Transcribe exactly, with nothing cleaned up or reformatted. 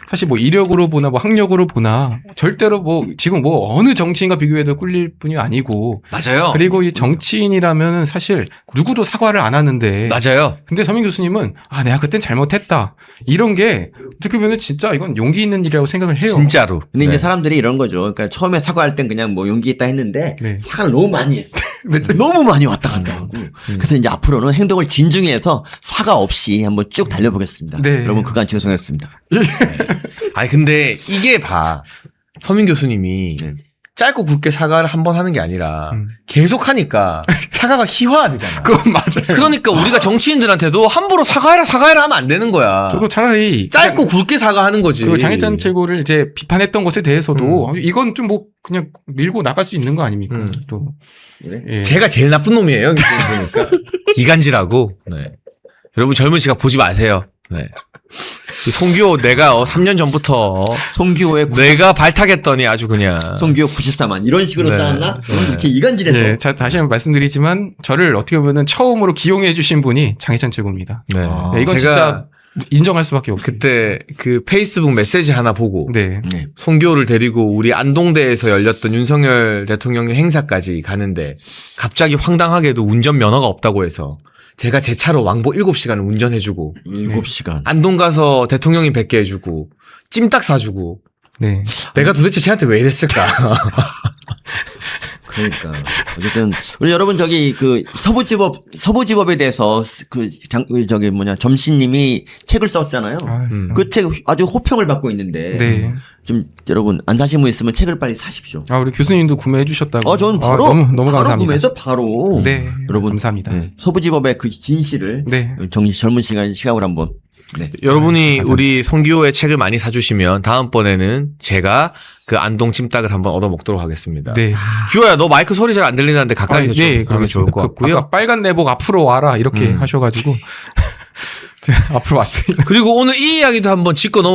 사실 뭐 이력으로 보나 뭐 학력으로 보나 절대로 뭐 지금 뭐 어느 정치인과 비교해도 꿀릴 분이 아니고 맞아요. 그리고 이 정치인이라면은 사실 누구도 사과를 안 하는데 맞아요. 근데 서민 교수님은 아 내가 그땐 잘못했다 이런 게 어떻게 보면 진짜 이건 용기 있는 일이라고 생각을 해요. 진짜로. 근데 네. 이제 사람들이 이런 거죠. 그러니까 처음에 사과할 땐 그냥 뭐 용기 있다 했는데 네. 사과를 너무 많이 했어. 네. 너무 많이 왔다 갔다 하고. 그래서 이제 앞으로는 행동을 진중히 해서 사과 없이 한번 쭉 달려보겠습니다. 네. 여러분 그간 죄송했습니다. 아니 근데 이게 봐. 서민 교수님이 네. 짧고 굵게 사과를 한 번 하는 게 아니라 음. 계속 하니까 사과가 희화화되잖아. 그건 맞아요. 그러니까 우리가 정치인들한테도 함부로 사과해라 사과해라 하면 안 되는 거야. 저도 차라리 짧고 굵게 사과하는 거지. 그리고 장해찬 최고를 이제 비판했던 것에 대해서도 음. 이건 좀 뭐 그냥 밀고 나갈 수 있는 거 아닙니까? 음. 또 그래? 예. 제가 제일 나쁜 놈이에요. 그러니까 이간질하고. 네. 여러분 젊은 시각 보지 마세요. 네. 이 송기호 내가 어, 삼 년 전부터 송기호의 구, 내가 발탁했더니 아주 그냥 송기호 구십사만 이런 식으로 네. 쌓았나? 네. 이렇게 이간질해서. 예, 자, 다시 한번 말씀드리지만 저를 어떻게 보면은 처음으로 기용해 주신 분이 장해찬 최고입니다. 네. 아, 네, 이건 제가 진짜 인정할 수밖에 없어요. 그때 그 페이스북 메시지 하나 보고 네. 네. 송기호를 데리고 우리 안동대에서 열렸던 윤석열 대통령 행사까지 가는데 갑자기 황당하게도 운전 면허가 없다고 해서 제가 제 차로 왕복 일곱 시간을 운전해주고 일곱 시간. 안동 가서 대통령이 뵙게 해주고 찜닭 사주고 네. 내가 도대체 쟤한테 왜 이랬을까? 그러니까 어쨌든 우리 여러분 저기 그 서부지법 서부지법에 대해서 그 장 저기 뭐냐 점신님이 책을 썼잖아요. 아, 음. 그 책 아주 호평을 받고 있는데 네. 좀 여러분 안 사신 분 있으면 책을 빨리 사십시오. 아, 우리 교수님도 구매해 주셨다고. 어, 저는 바로 아, 너무 너무 바로 감사합니다. 구매해서 바로 네. 여러분 감사합니다. 네, 서부지법의 그 진실을 네. 정 젊은 시간 시각으로 한번 네. 여러분이 우리 송기호의 책을 많이 사주시면 다음번에는 제가 그 안동 찜닭을 한번 얻어 먹도록 하겠습니다. 네. 기호야 너 마이크 소리 잘 안 들리는데 가까이서 아, 좀 네, 하면 좋을 것 그, 같고요. 아까 빨간 내복 앞으로 와라 이렇게 음. 하셔가지고 제가 앞으로 왔습니다. 그리고 오늘 이 이야기도 한번 짚고 넘어